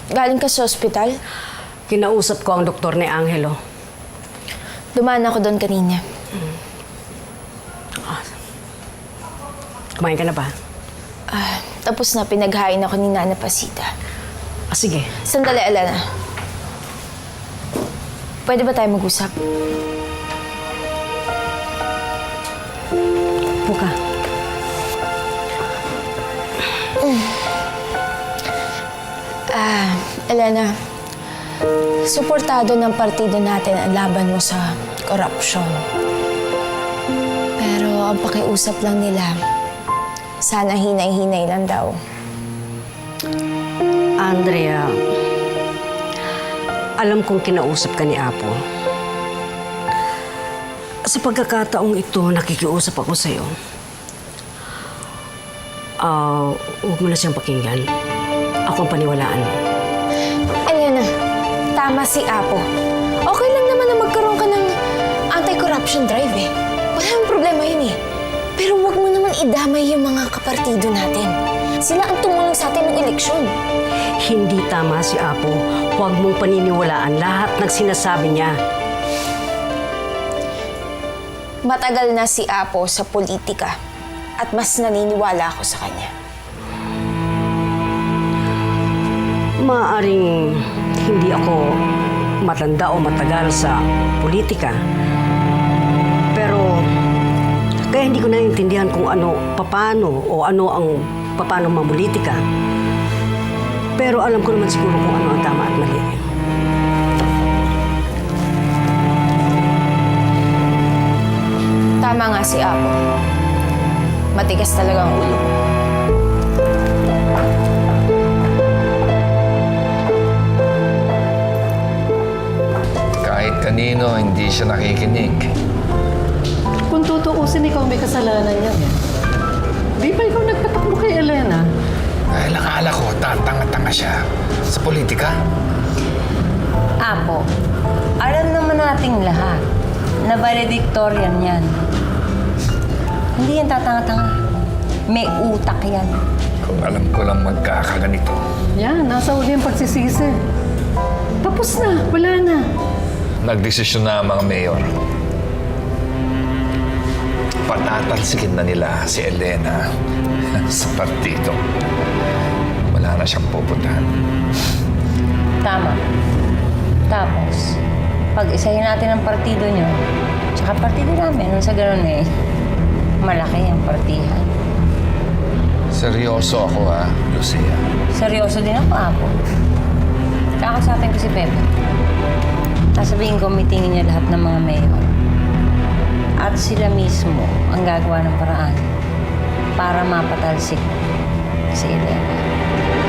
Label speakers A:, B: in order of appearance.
A: Galing ka sa ospital?
B: Kinausap ko ang doktor ni Angelo.
A: Dumaan ako doon kanina.
B: Kumain ka na ba?
A: Tapos na pinaghain ako ni Nana Pasita.
B: Sige.
A: Sandali, Alana. Pwede ba tayo mag-usap?
B: Buka.
A: Elena, suportado ng partido natin ang laban mo sa korupsyon. Pero ang pakiusap lang nila, sana hinay-hinay lang daw.
B: Andrea, alam kong kinausap ka ni Apo. Sa pagkakataong ito, nakikiusap ako sa'yo. Huwag mo na siyang pakinggan. Ako ang paniwalaan mo.
A: Elena, tama si Apo. Okay lang naman na magkaroon ka ng anti-corruption drive eh. Wala namang problema yun eh. Pero huwag mo naman idamay yung mga kapartido natin. Sila ang tumulong sa atin ng eleksyon.
B: Hindi tama si Apo. Huwag mong paniniwalaan lahat ng sinasabi niya.
A: Matagal na si Apo sa politika at mas naniniwala ako sa kanya.
B: Maaaring hindi ako matanda o matagal sa politika. Pero kaya hindi ko naiintindihan kung paano mamulitika. Pero alam ko naman siguro kung ano ang tama at mali.
A: Tama nga si Apo. Matigas talaga ang ulo.
C: Kahit kanino, hindi siya nakikinig.
D: Kung tutuusin, ikaw may kasalanan yan. Di ba ikaw nagpatakbo kay Elena?
C: Dahil akala ko, tatanga-tanga siya sa politika.
E: Apo, alam naman nating lahat na valedictorian yan. Hindi yan tatanga-tanga. May utak yan.
C: Kung alam ko lang magkakaganito.
D: Yan, nasa uli ang pagsisisi. Tapos na, wala na.
C: Nagdesisyon na ang mga mayor. Patatalsikin na nila si Elena sa partido. Wala na siyang pupuntahan.
E: Tama. Tapos, pag-isahin natin ang partido nyo, tsaka partido namin, nung sa ganun malaki ang partihan.
C: Seryoso ako Lucia.
E: Seryoso din ako, Apo. Kakausapin ko si Pepe. Sasabihin ko, meetingin niya lahat ng mga mayor. At sila mismo ang gagawa ng paraan para mapatalsik si Elena.